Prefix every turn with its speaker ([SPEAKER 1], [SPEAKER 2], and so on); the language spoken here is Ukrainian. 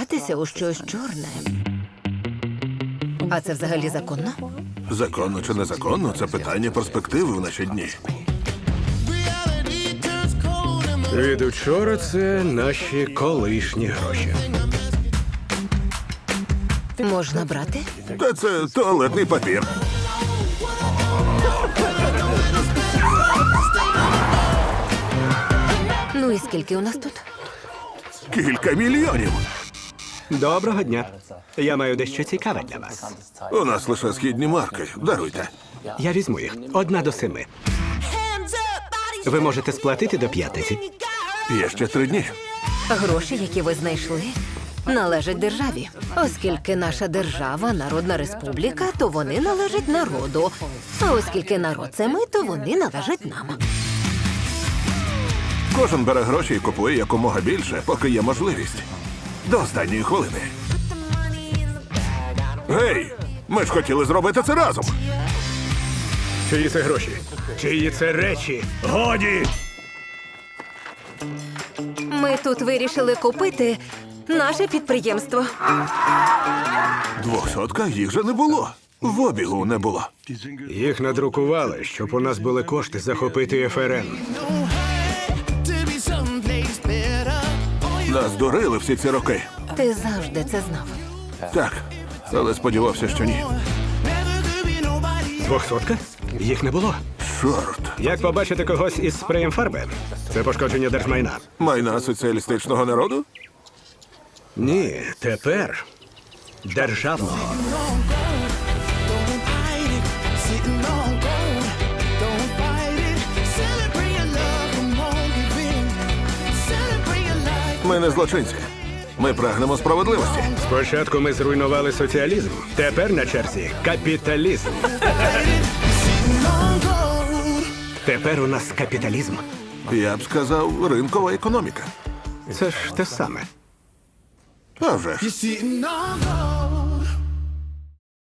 [SPEAKER 1] вдягатися у щось чорне. А це взагалі законно?
[SPEAKER 2] Законно чи незаконно – це питання перспективи в наші дні.
[SPEAKER 3] Від учора це наші колишні гроші.
[SPEAKER 1] Можна брати?
[SPEAKER 2] Та це туалетний папір.
[SPEAKER 1] Ну і скільки у нас тут?
[SPEAKER 2] Кілька мільйонів.
[SPEAKER 3] Доброго дня. Я маю дещо цікаве для вас.
[SPEAKER 2] У нас лише східні марки. Даруйте.
[SPEAKER 3] Я візьму їх. 1 до 7. Ви можете сплатити до п'ятниці.
[SPEAKER 2] Є ще 3 дні.
[SPEAKER 1] Гроші, які ви знайшли, належать державі. Оскільки наша держава – народна республіка, то вони належать народу. А оскільки народ – це ми, то вони належать нам.
[SPEAKER 2] Кожен бере гроші і купує якомога більше, поки є можливість. До останньої хвилини. Гей! Ми ж хотіли зробити це разом.
[SPEAKER 3] Чиї це гроші? Чиї це речі? Годі!
[SPEAKER 1] Ми тут вирішили купити наше підприємство.
[SPEAKER 2] 200 їх же не було. В обігу не було.
[SPEAKER 3] Їх надрукували, щоб у нас були кошти захопити ФРН.
[SPEAKER 2] Нас дурили всі ці роки.
[SPEAKER 1] Ти завжди це знав.
[SPEAKER 2] Так, але сподівався, що ні.
[SPEAKER 3] 200? Їх не було.
[SPEAKER 2] Чорт.
[SPEAKER 3] Як побачити когось із спреєм фарби? Це пошкодження держмайна.
[SPEAKER 2] Майна соціалістичного народу?
[SPEAKER 3] Ні, тепер державного.
[SPEAKER 2] Ми не злочинці. Ми прагнемо справедливості.
[SPEAKER 3] Спочатку ми зруйнували соціалізм. Тепер на черзі капіталізм. Тепер у нас капіталізм.
[SPEAKER 2] Я б сказав, ринкова економіка.
[SPEAKER 3] Це ж те саме.
[SPEAKER 2] А вже ж.
[SPEAKER 4] Sitting on gold.